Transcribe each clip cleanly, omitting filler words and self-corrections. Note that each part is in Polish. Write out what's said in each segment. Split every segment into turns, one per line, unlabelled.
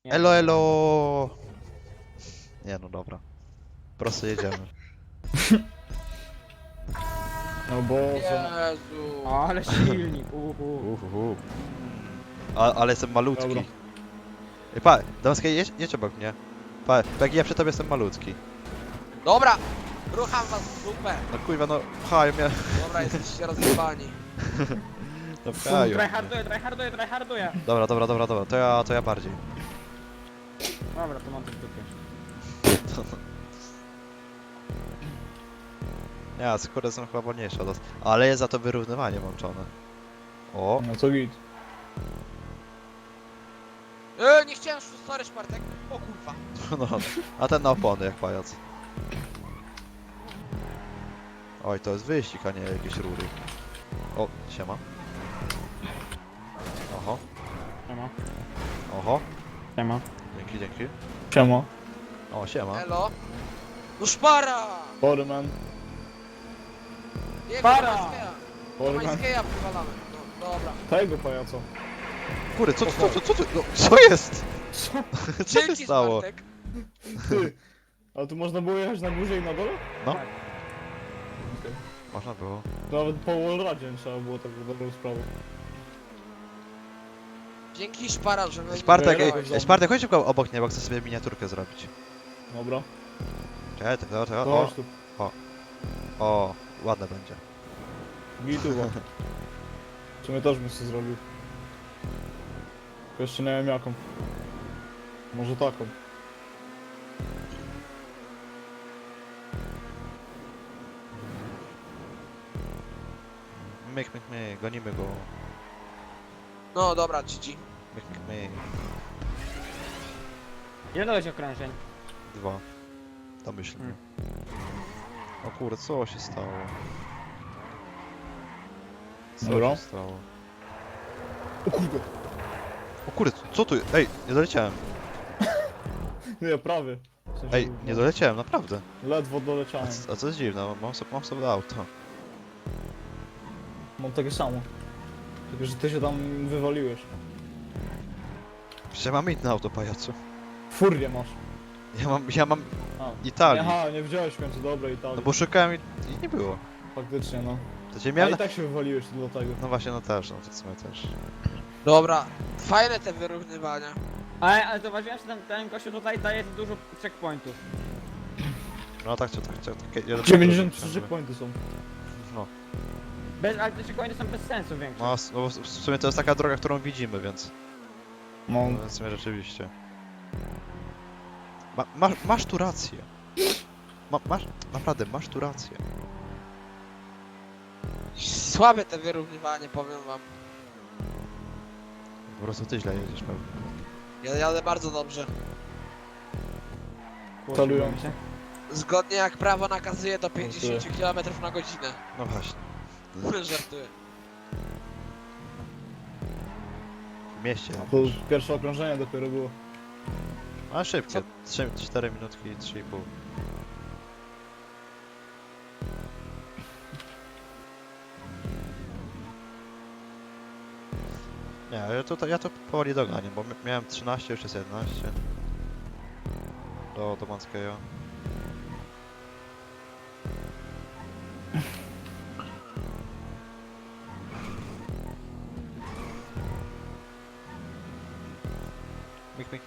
Nie.
Elo, elo! Nie no dobra. Prosto jedziemy.
No Boże.
Jezu.
Ale silnik,
Ale jestem malutki.
Dobra.
Ej, pa, Damskie, jedź obok mnie. Pa, jak ja przy tobie jestem malutki.
Dobra! Rucham was w dupę.
No kurwa, no pchają mnie.
Dobra, jesteście rozjebani.
No pchają mnie.
Tryharduję.
Dobra, to ja bardziej.
Dobra, to mam to w dupie.
Ja, skóry są chyba wolniejsze od nas. Ale jest za to wyrównywanie włączone. O,
No co git.
Nie chciałem, sorry Szpartek. O kurwa.
no. A ten na opony jak pajac. Oj, to jest wyścig, a nie jakieś rury. O, siema. Oho,
Siema.
oho.
Siema.
Dzięki.
Siema.
O, siema.
Elo. No szpara!
Sorry man.
Nie,
Szpara! Sorry man.
Majskeja wywalamy. No dobra.
Tego pajaca.
Kurde, co ty? No, co jest?
Co?
Co się
Dzięki
stało?
Szpartek.
Ty. Ale tu można było jechać na górze i na dole?
No.
Tak. Okej.
Można było.
Nawet po wallradzie nie trzeba było tak dobrą sprawę.
Dzięki Szpara, że mnie
Spartek,
nie
ej,
wyrwałeś.
Spartek, chodź szybko obok mnie, bo chcę sobie miniaturkę zrobić.
Dobra.
Czekaj,
To
o,
chodź tu.
o, ładne będzie.
Gituwa. W sumie też bym sobie zrobił. Tylko jeszcze nie wiem jaką. Może taką.
Myk, gonimy go.
No dobra, GG.
Myk.
Ile dałeś okrążeń?
2. Domyślnie. O kurde, co się stało? Co
Dobra.
się stało?
O kurde.
O kurde, co tu? Ej, nie doleciałem.
Nie, prawie. W sensie,
Ej, nie doleciałem, naprawdę.
Ledwo
A,
doleciałem.
a co jest dziwne, mam sobie auto.
Mam takie samo. Tylko, że ty się tam wywaliłeś.
Przecież ja mam inne auto, pajacu.
Furię masz.
Ja mam
A.
Italii.
Aha, nie wziąłeś w końcu dobrej Italii.
No bo szukałem i nie było.
Faktycznie, no.
To cię
Ja
miałem
i tak się wywaliłeś do tego.
No właśnie, no też, no w sumie też.
Dobra. Fajne te wyrównywania.
Ale zauważyłem, że ten gościu tutaj daje dużo checkpointów.
No tak,
93 checkpointy są.
No,
Ale te checkpointy są bez sensu większe.
no w sumie to jest taka droga, którą widzimy, więc...
No.
No, w sumie rzeczywiście. Masz tu rację. Naprawdę, masz tu rację.
Słabe te wyrównywanie, powiem wam.
Po prostu ty źle jedziesz pewnie.
Ja jadę bardzo dobrze.
Celują.
się.
Zgodnie jak prawo nakazuje do 50 km na godzinę.
No właśnie.
Żartuję.
W mieście
To
jakoś.
pierwsze okrążenie dopiero było.
A szybkie. 4 minutki, 3,5. Nie, ja to powoli doganiam, bo miałem 13, już jest 11. Do Manskeja. Myk.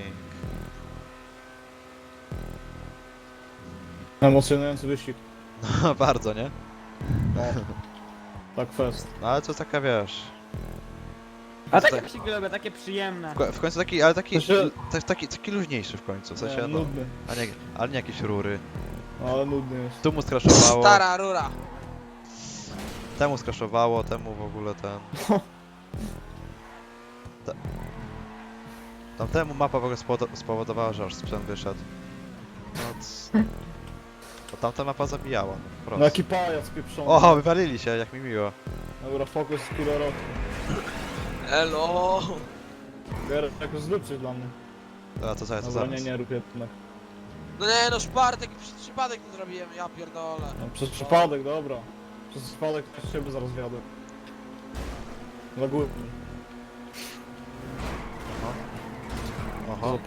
Emocjonujący wyścig.
No bardzo, nie?
No. Tak fest.
No ale to taka, wiesz...
A takie
tak-
wyścigi lubię, takie przyjemne.
W końcu taki, ale taki,
Znaczy-
taki luźniejszy w końcu, w sensie no,
Nudny.
ale nie jakieś rury.
No, ale nudny jest.
Tu mu skraszowało,
Stara rura.
temu skraszowało, temu w ogóle ten... Tamtemu mapa w ogóle spowodowała, że aż sprzęt wyszedł. No, bo tamta mapa zabijała, no, po
No
prostu.
jaki pajac pieprzony.
O, wywalili się, jak mi miło.
Dobra, fokus kilo roku.
Elo.
Gerek jakoś zlepszy dla mnie.
A to zaraz, to
Dobra,
zaraz.
nie rób jednak.
No nie no, Szpartek, przez przypadek to zrobiłem, ja pierdolę.
No, przez przypadek, dobra. Przez przypadek też ciebie zaraz wjadę. Na górę.
Oho. Oho.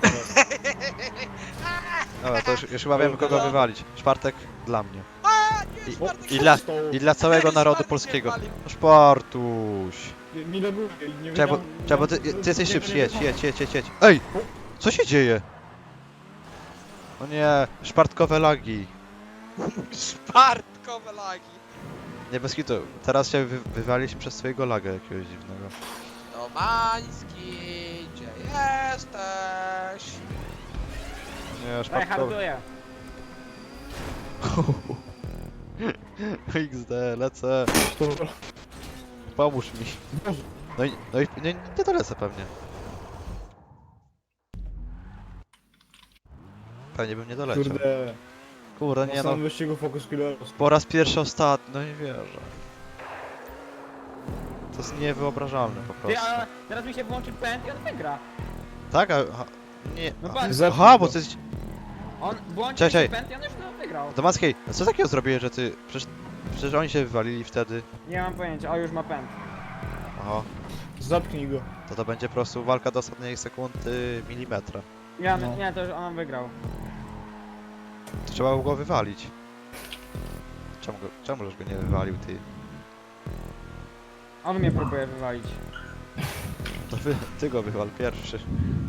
Dobra, to już chyba wiemy kogo wywalić. Czwartek dla mnie.
A, nie,
I-
Spartek,
I dla całego narodu
Spartek
polskiego.
mnie walił.
Szpartuś.
Mi laguje i nie
Czekaj, bo ty jesteś szybszy, jedź. Ej! Co się dzieje? O nie, szpartkowe lagi.
Spartkowe lagi.
Nie bez kitu, teraz się wywaliśmy przez swojego laga jakiegoś dziwnego.
Domański, gdzie jesteś?
Nie,
Daj,
szpartkowe.
harduję.
XD, lecę. Pomóż mi. No i nie dolecę pewnie. Pewnie bym nie doleciał.
Kurde,
Kurde,
na
nie no.
samym wyścigu Focus Killeros.
Po raz pierwszy ostatni, no nie wierzę. To jest niewyobrażalne po
Ty,
prostu.
a teraz mi się włączy pęd i on wygra.
Tak, nie.
No patrz.
Zepnij
Aha,
go.
bo to jest...
On włączy
Czekaj,
się pęd i on już to wygrał.
Domackiej, co takiego zrobiłeś, że ty... Przecież oni się wywalili wtedy.
Nie mam pojęcia, o już ma pęd.
Aha,
Zapnij go.
to będzie po prostu walka do ostatniej sekundy milimetra.
No.
Nie, to już on wygrał.
To trzeba było go wywalić. Czemu żeś go nie wywalił, ty?
On mnie próbuje wywalić.
To ty go wywal pierwszy.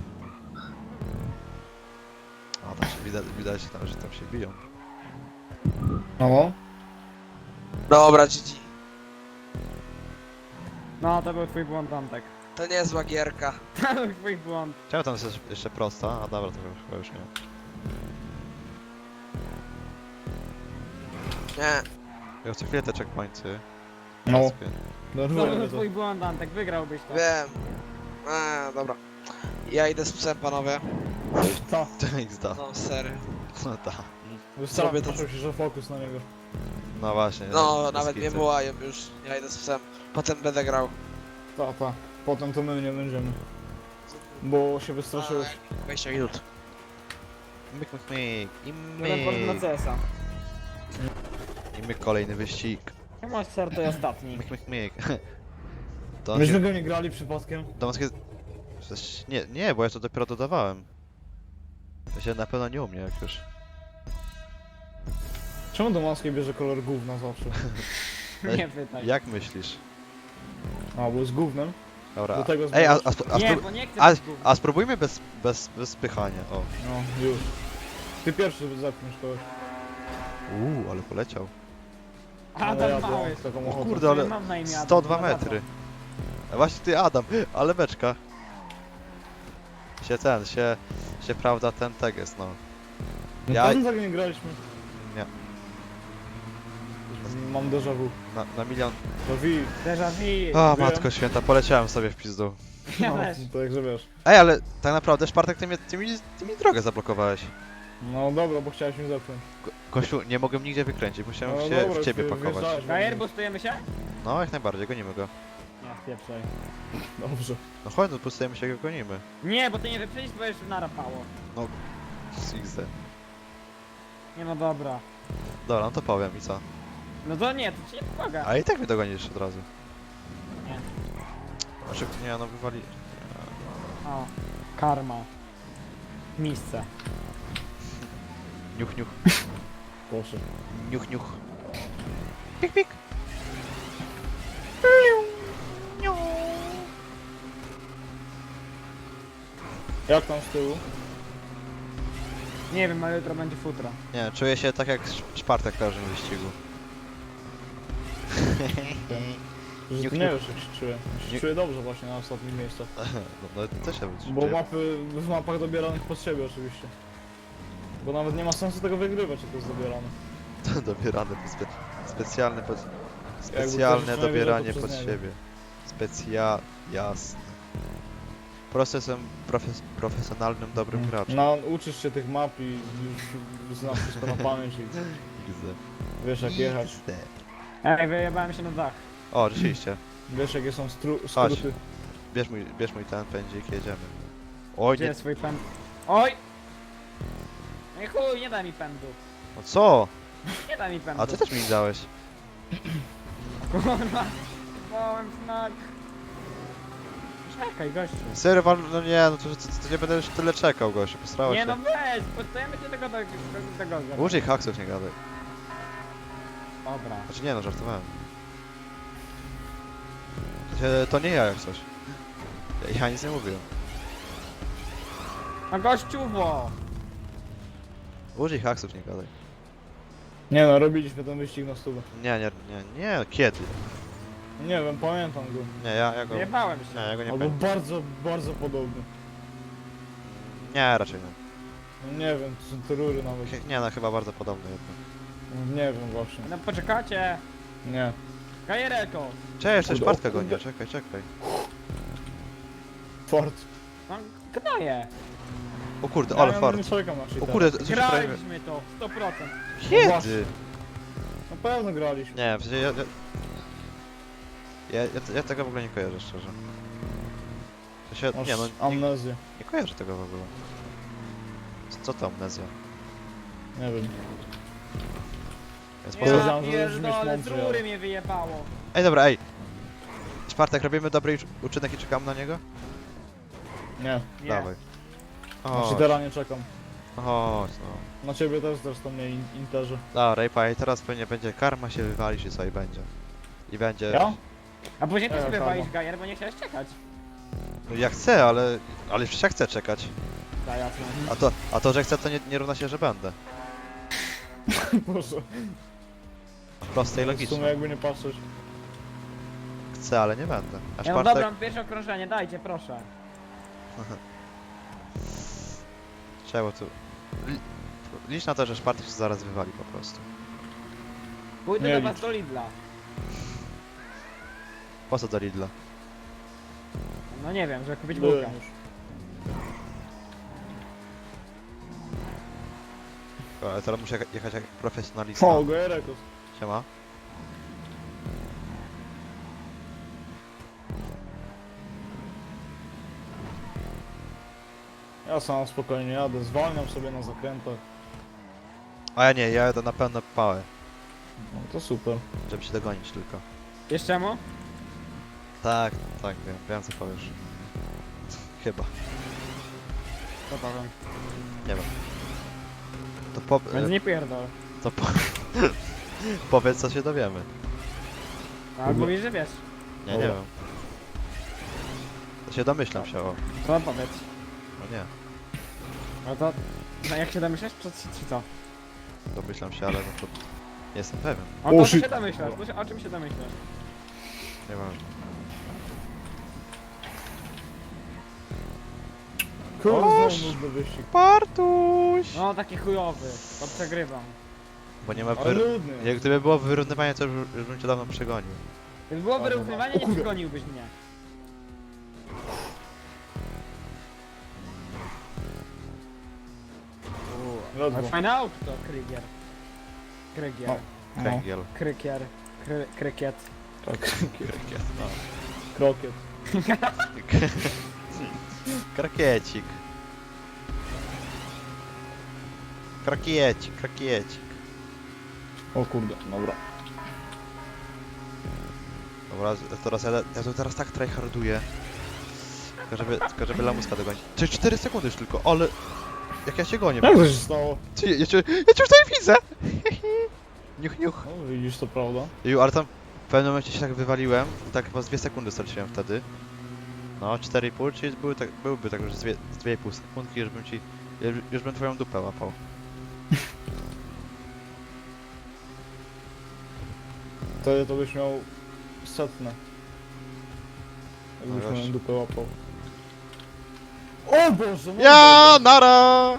O, tam się widać tam, że tam się biją.
No.
Dobra, GG.
No, to był twój błąd, Antek.
To niezła gierka.
To był twój błąd.
Czemu tam jest jeszcze prosta? A dobra, to chyba już nie.
Nie.
Ja co chwilę te checkpointy.
No.
Zaspię.
To
Denerwuje
był
mnie to.
twój błąd, Antek, wygrałbyś to.
Wiem. Dobra. Ja idę z psem, panowie.
Ta.
XD.
No, serio.
No tak.
Zrobię to-
Wystarczy się, że fokus na niego.
No właśnie.
No,
bez
nawet nie
kitu.
wołają już. Ja idę z psem. Potem będę grał.
Ta. Potem to my nie będziemy. Bo się wystraszyłeś.
20 minut.
Myk, myk, myk. I
Jeden port na
myk.
CS-a.
I myk, kolejny wyścig.
Chyba ser to jest ostatni.
Myk, myk, myk. To
Myśmy go nie grali przypadkiem.
Domowskie... Nie, bo ja to dopiero dodawałem. To się na pewno nie u mnie jak już.
Czemu do Maskiej bierze kolor gówna zawsze?
Nie pytaj.
Jak myślisz?
A, bo z gównem.
Dobra.
Do tego
Ej,
Nie, bo nie chcę
a,
być gówno.
a spróbujmy bez spychania. O.
No, już. Ty pierwszy zepniesz kogoś.
Ale poleciał.
Adam
ja
Mały.
mam taką
O
ochotę.
kurde, ale
Mam na imię Adam,
102
no za co?
metry. A właśnie ty Adam, ale beczka. Się prawda ten teges, no.
No
Ja-
pewno tak nie graliśmy.
Nie,
Mam déjà vu.
na milion.
To wi.
Déjà vu.
O
Wiem.
matko święta, poleciałem sobie w pizdu.
Ja
No,
też.
to jak że wiesz.
Ej, ale tak naprawdę Szpartek, ty mi drogę zablokowałeś.
No dobra, bo chciałeś mnie zepchnąć.
Kościół, nie mogłem nigdzie wykręcić, musiałem
No
się
dobra,
w ciebie
ty
pakować.
wjeżdżałeś we
Gajer,
mnie.
boostujemy się?
No, jak najbardziej, gonimy go.
Nie, pieprzej.
Dobrze.
No chodź, no pustujemy się, go gonimy.
Nie, bo ty nie wyprzedzisz, bo już narapało.
XD.
Nie no dobra.
Dobra, no to powiem i co?
No to nie, to ci nie pomaga.
A i tak mnie dogonisz od razu.
Nie.
Znaczy, nie, no wywali...
O, karma. Miejsce.
Niuch, niuch,
Proszę.
niuch, niuch. Pik, pik.
Jak tam z tyłu?
Nie wiem, ale jutro będzie futra.
Nie, czuję się tak jak Szpartek w każdym wyścigu.
Że
Niuch,
ty nie
niuch.
wiesz jak się czuję. Ja się
Niuch.
czuję dobrze właśnie na ostatnim miejscu.
No ty też się
Bo
czuję.
mapy w mapach dobieranych pod siebie oczywiście. Bo nawet nie ma sensu tego wygrywać, jak to jest dobierane.
Dobierane, specjalne
ktoś
specjalne
jeszcze nie
dobieranie
wiedział, to
pod
przez niego.
siebie. Jasne. Po prostu jestem profesjonalnym, dobrym graczem.
No, uczysz się tych map i już znasz wszystko na pamięć i
XD.
wiesz jak jechać.
XD.
Ej, wyjebałem się na dach.
O, rzeczywiście.
Wiesz jakie są
Chodź.
skróty.
Bierz mój ten pędzik, jedziemy. Oj,
Gdzie
nie...
jest swój pęd? Oj! Ej chuj, nie da mi pędu.
No co?
Nie da mi pędu.
A ty też mi dałeś.
Kurwa. Małem znak. czekaj, gościu.
Serio, no nie, no to nie będę już tyle czekał, gościu, postarałeś
Nie
się.
no weź, podstajemy cię tego.
Użyj haksów, nie gadaj.
Dobra.
Znaczy nie no, żartowałem. To nie ja jak coś. Ja nic nie mówiłem.
A gościuwo!
Użyj haksów, nie gadaj.
Nie no, robiliśmy ten wyścig na stówę.
Nie, kiedy?
Nie wiem, pamiętam go.
Nie, ja go...
Jebałem się.
Nie, ja go nie
Albo
pamiętam.
bardzo, bardzo podobny.
Nie, raczej nie.
No nie wiem, to są te rury nawet.
Nie no, chyba bardzo podobny jednak.
Nie wiem właśnie.
No poczekacie.
Nie.
Gajereko!
Cześć, jeszcze
Kurde,
Szpartka
o kurde.
gonię, czekaj.
Fort.
No gnoje.
O kurde, ale
Ja
fart.
nie czekam na
O
cheatera.
kurde, co się prawie...
Graliśmy to, 100%.
Kiedy?
Na pewno graliśmy.
Nie, w sensie ja tego w ogóle nie kojarzę, szczerze. W sensie,
Masz
nie no,
amnezję.
nie kojarzę tego w ogóle. Co to amnezja?
Nie wiem.
Więc
Ja
po co...
Podejrzewam, że już
pierdolę, z
mądry, ale-
rury mnie wyjebało.
Ej, dobra, ej! Czwartek, robimy dobry uczynek i czekamy na niego?
Nie.
Nie.
Dawaj.
Na
O,
cheatera nie czekam.
chodź, no.
Na ciebie też zresztą nie interze.
Dobra, i teraz pewnie będzie karma się wywalić i co i będzie. I będzie...
Ja?
A później ty
Ja,
sobie
karma.
walisz gajer, bo nie chciałeś czekać.
No ja chcę, ale przecież ja chcę czekać.
Da jasne.
A to, że chcę, to nie równa się, że będę.
Boże.
Proste i
W sumie
logiczne.
jakby nie patrzeć.
Chcę, ale nie będę. A
Ja no
czwartek...
dobra, pierwsze okrążenie, dajcie, proszę.
Czemu tu... Licz na to, że Szpartek się zaraz wywali po prostu.
Pójdę
Nie
do
licz.
was do Lidla.
Po co do Lidla?
No nie wiem, żeby kupić
Byłem
bułkę.
już.
Ale teraz muszę jechać jak profesjonalista.
O, Goerekos.
Siema.
Ja sam spokojnie jadę, zwalniam sobie na zakrętach.
A ja nie, ja jadę na pełne pałę,
No to super.
żeby się dogonić tylko.
Jeszcze mu?
Tak, wiem co powiesz. Chyba,
To powiem.
nie wiem. To po...
Więc nie pierdol.
To po... Powiedz co się dowiemy.
A mówisz, że wiesz.
Nie
Dobra.
wiem. To się domyślam się, o.
To powiedz.
No nie,
No to... No jak się domyślasz, czy co?
domyślam się, ale no to... Nie jestem pewien,
O to
shit.
się domyślasz, o czym się domyślasz?
nieważne.
Kurde,
Oż.
znowu nudny wyścig.
Bartuś!
No taki chujowy, to przegrywam.
Bo nie ma
Ale
wyr...
nudny.
Jak gdyby było wyrównywanie, to już bym cię dawno przegonił.
Gdyby było
Dobra.
wyrównywanie,
O
nie
kurde.
przegoniłbyś mnie. Ale
Ledwo.
fajne auto to, Krygier. Krygier.
No.
Kręgiel.
Krykier. Krykiet.
Tak.
Krykiet, no.
Krokiet.
Krakiecik. Krakiecik.
O kurde, dobra.
Dobra, teraz ja tu teraz tak tryharduję. Tylko żeby lamuska dogonić. 4 sekundy już tylko, ale... Jak ja się gonię.
Jak to się stało?
Ty, ja cię już tutaj widzę! Niuch.
No widzisz, to prawda.
Ju, ale tam w pewnym momencie się tak wywaliłem i tak chyba z 2 sekundy straciłem wtedy. No, 4,5, czyli byłby tak już z 2,5 sekundki, już bym twoją dupę łapał.
Wtedy to byś miał setne. Jakbyś
No
moją
gość.
dupę łapał. O Boże, no
Ja, nara!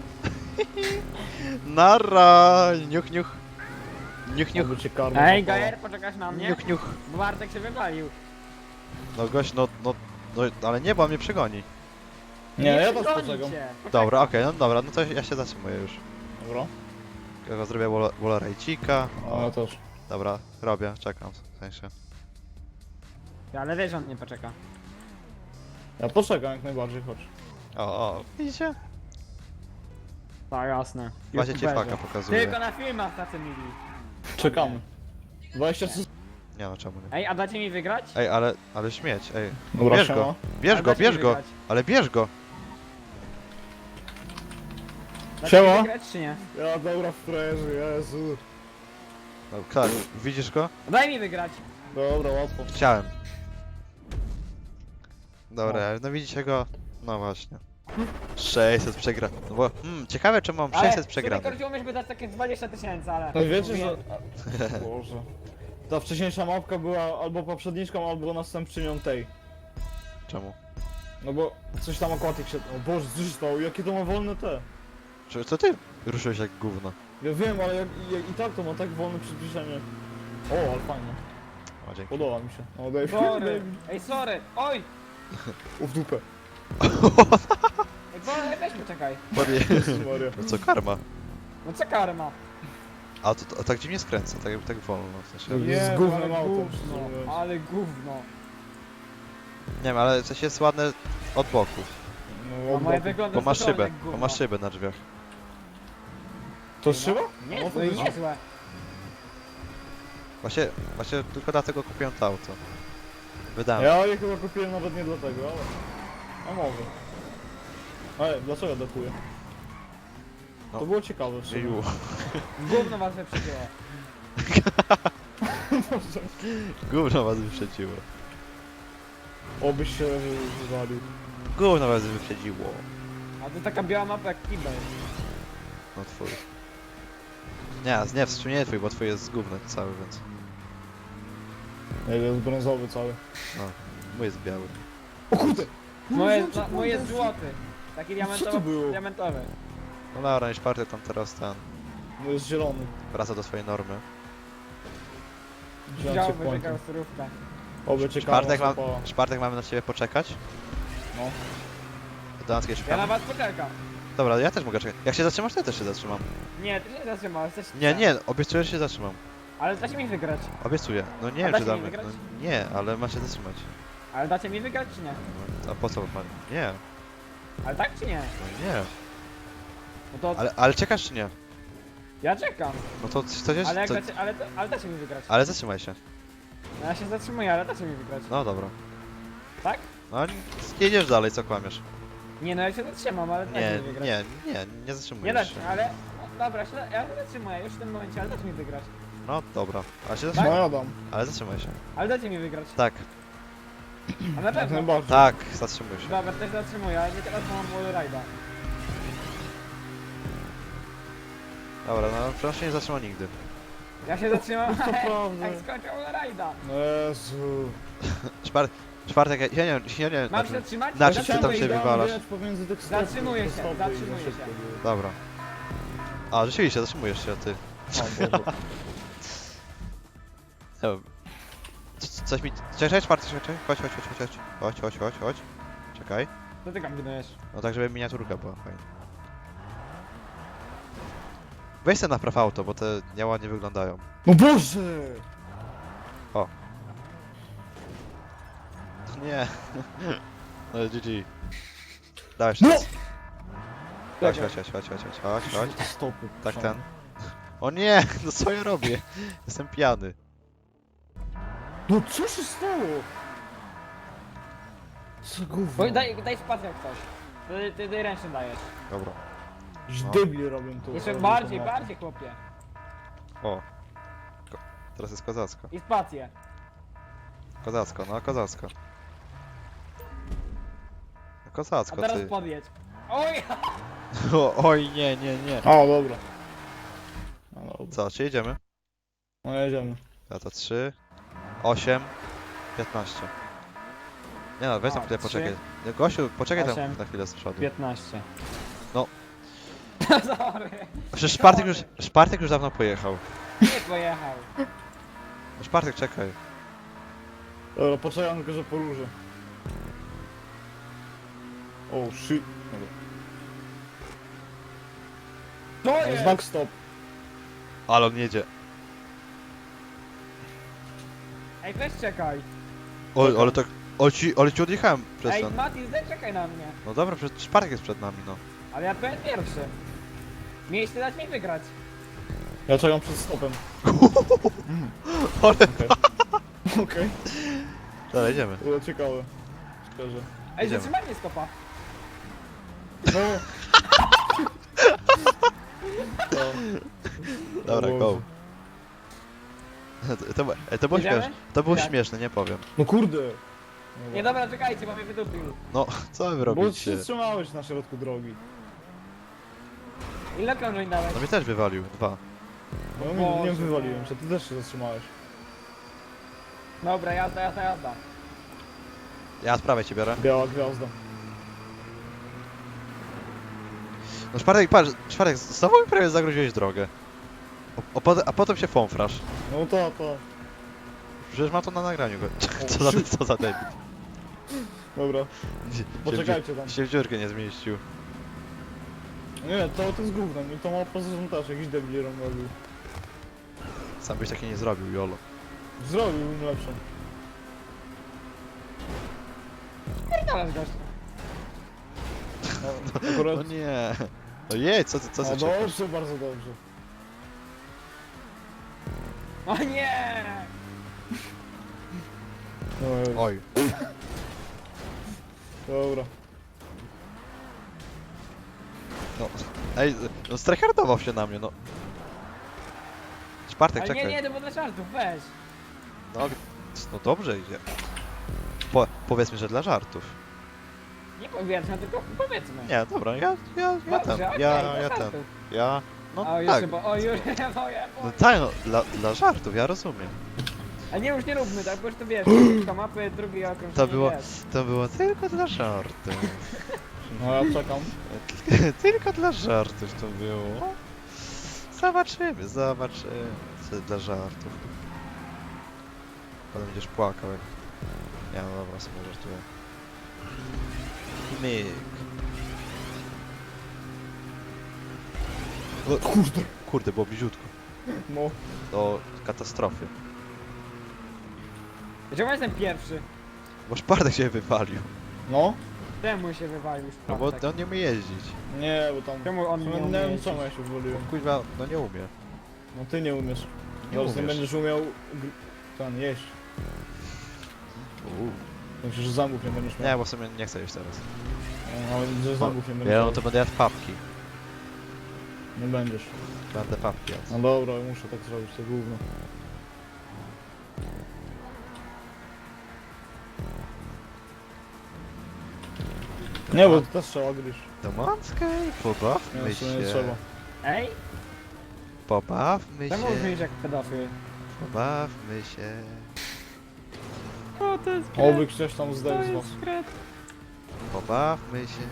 Nara! Niuch.
Aby cię karma
Ej,
złapała.
Gajer, poczekasz na mnie?
Niuch.
Bo Bartek się wywalił.
No gość, no, ale nie, bo on mnie przegoni.
Nie, ja też
przegoni
poczekam.
cię.
Dobra, okej, no dobra, no to ja się zatrzymuję już.
Dobra.
Ja zrobię Wallerajcika.
A ja też.
Dobra, robię, czekam w sensie.
Ale wiesz, że on nie poczeka.
Ja poczekam jak najbardziej, chodź.
O, widzicie?
Tak, jasne.
Właśnie ci
YouTuberzy.
faka pokazuję.
Tylko na filmach tacy mili.
Czekamy. 20 sekund.
Nie no, czemu nie?
Ej, a dacie mi wygrać?
Ej, ale śmieć, ej.
Dobra,
Bierz
siema.
go, bierz
A
go,
dacie mi
bierz go,
wygrać?
ale bierz go.
Dacie
Siema.
mi wygrać czy nie?
Ja dobra w frajerze, Jezu.
No, tak, widzisz go?
Daj mi wygrać.
Dobra, łatwo.
Chciałem. Dobra, no widzicie go? No właśnie. 600 przegra. No bo, ciekawe czemu mam 600 przegranych.
Ale chodziło mi, żeby dać takie 20 000, ale...
No wiecie, że... Boże. Ta wcześniejsza mapka była albo poprzedniczką, albo następczynią tej.
Czemu?
No bo coś tam akwatyk się... O Boże, co się stało? Jakie to ma wolne te?
Co ty ruszyłeś jak gówno?
Ja wiem, ale i tak to ma tak wolne przyspieszenie. O, ale fajnie.
O, dzięki.
Podoba mi się. O, daj
Sorry. Ej, sorry. Oj!
w dupę.
Ej, weź poczekaj.
Jezus Maria.
No co, karma?
No co karma?
A to tak dziwnie skręca, tak wolno, w sensie.
Nie. Z gównem
ale
autem,
gówno,
szczerze mówiąc.
ale gówno.
Nie wiem, ale coś jest ładne od boku.
No,
A moje
od boku.
wygląda
Bo masz
totalnie
szybę,
jak
bo
gówno.
masz szybę na drzwiach.
To jest szyba?
Nie,
No,
no i
faktycznie.
niezłe.
Właśnie tylko dlatego kupiłem to auto. Wydałem.
Ja je chyba kupiłem nawet nie dlatego, ale... A może. Ej, dlaczego dakuję?
No.
To było ciekawe w sumie.
Ju.
Gówno was wyprzedziło.
Gówno was wyprzedziło.
Obyś się wywalił.
Gówno was wyprzedziło.
A to taka biała mapa jak kibel.
No twój. Nie, w sumie nie twój, bo twój jest z gównem cały, więc...
Ej, jest brązowy cały.
No, mój jest biały.
O kurde!
Moje jest złoty. Taki
to było?
diamentowy.
No dobra, niż party tam teraz ten...
No jest zielony.
Wraca do swojej normy.
Wziąłem cię
Widziałbym,
w
że
końcu.
grał surówkę.
Oby cię karma
Szpartek mamy na ciebie poczekać?
No.
Do nas kiedyś
Ja
szukamy?
na was poczekam.
Dobra, ja też mogę czekać. Jak się zatrzymasz, to ja też się zatrzymam.
Nie, ty się zatrzymałeś, coś
Nie, obiecuję, że się zatrzymam.
Ale dacie mi wygrać.
Obiecuję. No nie
A
wiem,
dacie
czy
mi
damy.
wygrać?
No, nie, ale ma się zatrzymać.
Ale dacie mi wygrać czy nie?
No, a po co pan? Nie,
Ale tak czy nie?
no nie.
No to
Ale czekasz czy nie?
ja czekam.
No to coś jest...
Ale jak
co...
dacie, ale dacie mi wygrać.
Ale zatrzymaj się.
No ja się zatrzymuję, ale dacie mi wygrać.
No dobra.
Tak?
No jedziesz dalej, co kłamiesz?
Nie, no ja się zatrzymam, ale dacie
Nie,
mi wygrać.
nie
Nie
zatrzymujesz
dacie,
się.
ale... No, dobra, ja się zatrzymuję już w tym momencie, ale dacie mi wygrać.
No dobra, ale się
No
zatrzymaj.
ja dam.
Ale zatrzymaj się.
Ale dacie mi wygrać.
Tak,
A na
Jak
pewno.
najbardziej.
tak, zatrzymuj się.
Dobra, też zatrzymuję, ale nie teraz, bo mam wallride'a.
Dobra, no proszę nie zatrzymał nigdy.
Ja się zatrzymam,
To prawda.
jak skończę wallride'a.
No Jezu.
Czwartek, ja nie wiem,
Mam się
znaczy,
zatrzymać?
na czym ty
Zatrzymuję
tam się
się.
wywalasz?
Pomiędzy tych stopów,
Zatrzymuję
te
się,
stopy i
zatrzymuję
za szybko
się.
było.
Dobra. A, rzeczywiście, zatrzymujesz się, ty.
O Boże.
Nie wiem. Coś mi... Czekaj, czwarty, czekaj. Chodź. Czekaj.
Co ty kombinujesz?
No tak, żeby miniaturka była fajna. Weź sobie napraw auto, bo te nieładnie wyglądają.
No Boże!
Nie. No GG. Dałeś
No!
czas. Chodź.
Te stopy.
Tak
są.
ten. O nie, no co ja robię? Jestem pijany.
No co się stało? Co gówno?
Bo daj spację jak coś. Ty ręcznie dajesz.
Dobra.
Już
No.
debile robią to.
Jeszcze
robią
bardziej,
to mapę.
bardziej chłopie.
O. Teraz jest kozacko.
I spację.
Kozacko, no kozacko. No
A
kozacko,
teraz
ty.
podjedź. Oj!
Oj, nie.
A, dobra. No dobra.
Co, czy jedziemy?
No jedziemy.
Ja to 3, 8, 15. Nie no, weź tam
A,
chwilę
3,
poczekaj. No, Gosiu, poczekaj
8,
tam na chwilę z przodu.
15.
No.
Sorry.
Przecież Szpartek już dawno pojechał.
Nie pojechał.
No, Szpartek, czekaj.
Dobra, poczekam tylko, że poróżę. Oh shit.
To
Dobra.
jest!
Znak stop.
Ale on jedzie.
Ej, weź czekaj.
Oj, ale tak... Ale ci odjechałem przez
Ej,
ten.
Mati, czekaj na mnie.
No dobra, przecież Szpartek jest przed nami, no.
Ale ja byłem pierwszy. Mieliście dać mi wygrać.
Ja czekam przed stopem.
Ale...
Okej. Okej,
Dobra, idziemy.
to było ciekawe. Szczerze.
Ej,
Idziemy.
zatrzymaj mnie stopa.
No. To.
Dobra,
O
go.
Boże.
To było
Jedziemy?
śmieszne. To było
Tak.
śmieszne, nie powiem.
No kurde.
Nie, dobra, czekajcie, bo mnie wydupił.
No, co wy
Bo
robicie?
się zatrzymałeś na środku drogi.
Ile krążeń dałeś?
No mnie też wywalił, 2.
No
Boże.
nie wywaliłem się, ty też się zatrzymałeś.
Dobra, jazda.
Ja sprawę cię biorę.
Biała gwiazda.
No Szpartek, patrz, Szpartek, znowu mi prawie zagroziłeś drogę. A potem się fąfrasz.
No to.
Przecież ma to na nagraniu go.
O,
Co za debil.
Dobra,
Się
poczekajcie tam.
się w dziurkę nie zmieścił.
Nie, to jest gówno, mi to ma poza tym też jakiś debil robił.
Sam byś taki nie zrobił, jolo.
Zrobiłbym lepszą.
Pierdolę gość.
No, akurat...
No nie. No jej, co
No
ty czekasz?
dobrze, bardzo dobrze.
O nie!
No,
Oj.
dobra.
No. Ej, no strajhardował się na mnie, no. Szpartek,
Ale
czekaj.
nie, to było dla żartów, weź.
No dobrze idzie. Powiedzmy, że dla żartów.
Nie powiedzmy, tylko powiedzmy.
Nie, dobra, ja
Dobrze,
ten,
okej,
ja
dla
ten,
żartów.
no
O, już
tak.
chyba, o, już, moje.
No tak, no, dla żartów, ja rozumiem.
A nie, już nie róbmy tak, bo już to wiesz, kilka mapy, drugi okrąg.
To było tylko dla żartów.
No ja czekam.
Tylko dla żartów to było. Zobaczymy. Co dla żartów. Potem będziesz płakał jak... Ja no dobra, sobie żartuję. Myk. Kurde, było bliziutko.
No.
Do katastrofy.
Czemu jestem pierwszy?
Bo Szpartek się wywalił.
No?
Czemu się wywalił już
No bo
tak.
on nie umie jeździć.
Nie, bo tam...
Czemu on nie
Nie
umie
wiem
jeździć?
czemu ja się wywaliłem.
Kuźwa, no nie umie.
No ty nie umiesz.
Nie
Zaraz nie
umiesz.
będziesz umiał... Ten, jeść. Myślę, że zębów nie będziesz miał.
Nie, bo w sumie nie chcę jeść teraz.
No, ale że zębów nie będziesz
Ja
miał.
no to będę jadł papki.
Nie będziesz.
Będę papki jadł.
No dobra, muszę tak zrobić, to gówno. Nie, bo to też trzeba gryźć.
Do Manskiej,
Nie,
pobawmy
w sumie nie
się.
trzeba.
Ej?
Pobawmy
Czemu
się.
brzmisz jak pedofil?
Pobawmy się.
O, to jest
Oby ktoś tam zdał z was.
skret.
Pobawmy się.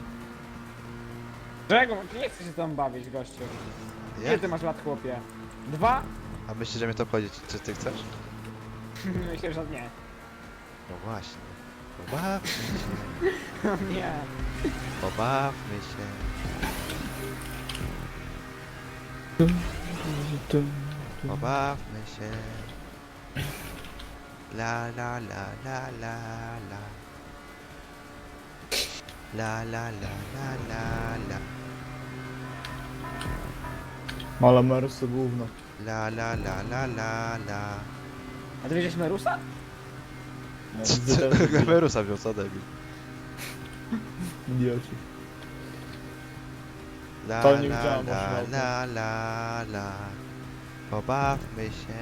Czego? Nie chcę się tam bawić, gościu. Ile
Jak?
ty masz lat, chłopie? 2?
A myślisz, że mnie to obchodzi, czy ty chcesz?
Myślę, że nie.
No właśnie. Pobawmy się.
Nie.
Pobawmy się. Pobawmy się. La la la la la la. La la la la la la.
Malamerus to gówno.
La la la la la la.
A ty wiedziałeś Merusa?
No,
Merusa wziął, co debil.
Idioci.
La
To nie
la
widziałem,
la
właśnie
la la la. Pobawmy się.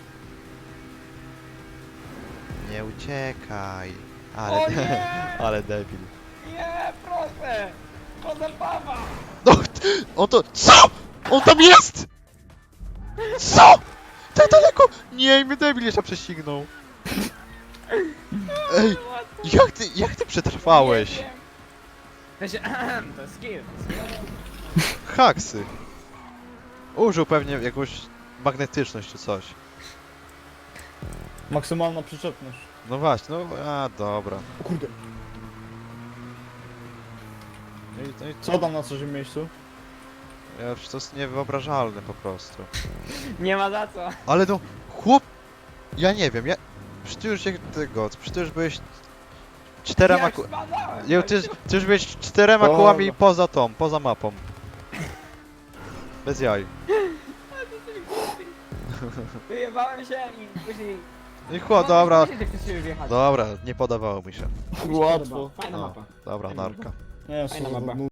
Nie uciekaj. Ale,
O nie!
ale debil.
Nie, proszę! To zabawa!
No, on to... CO?! On tam jest?! Co?! Tak daleko! Nie, mnie debil jeszcze prześcignął. Ej, jak ty przetrwałeś?
Nie wiem. To się... to jest skill.
Haksy. Użył pewnie jakąś magnetyczność czy coś.
Maksymalna przyczepność.
No właśnie, no a dobra.
O kurde.
No i
Co tam na trzecim miejscu?
ja, to jest niewyobrażalne po prostu.
Nie ma za co.
Ale no, chłop... Ja nie wiem, przecież ty już przecież ty już byłeś 4
Jak
ku...
spadałem,
Nie, ty już byłeś 4
Dobra.
kołami poza mapą. Bez jaj.
Wyjebałem się i później
I chłop, dobra.
Wiecie, że chcesz się wjechać.
Dobra, nie podobało mi się.
Łatwo.
Fajna
No.
mapa.
Dobra,
Fajna
narka.
Nie,
Fajna
słowo
mapa.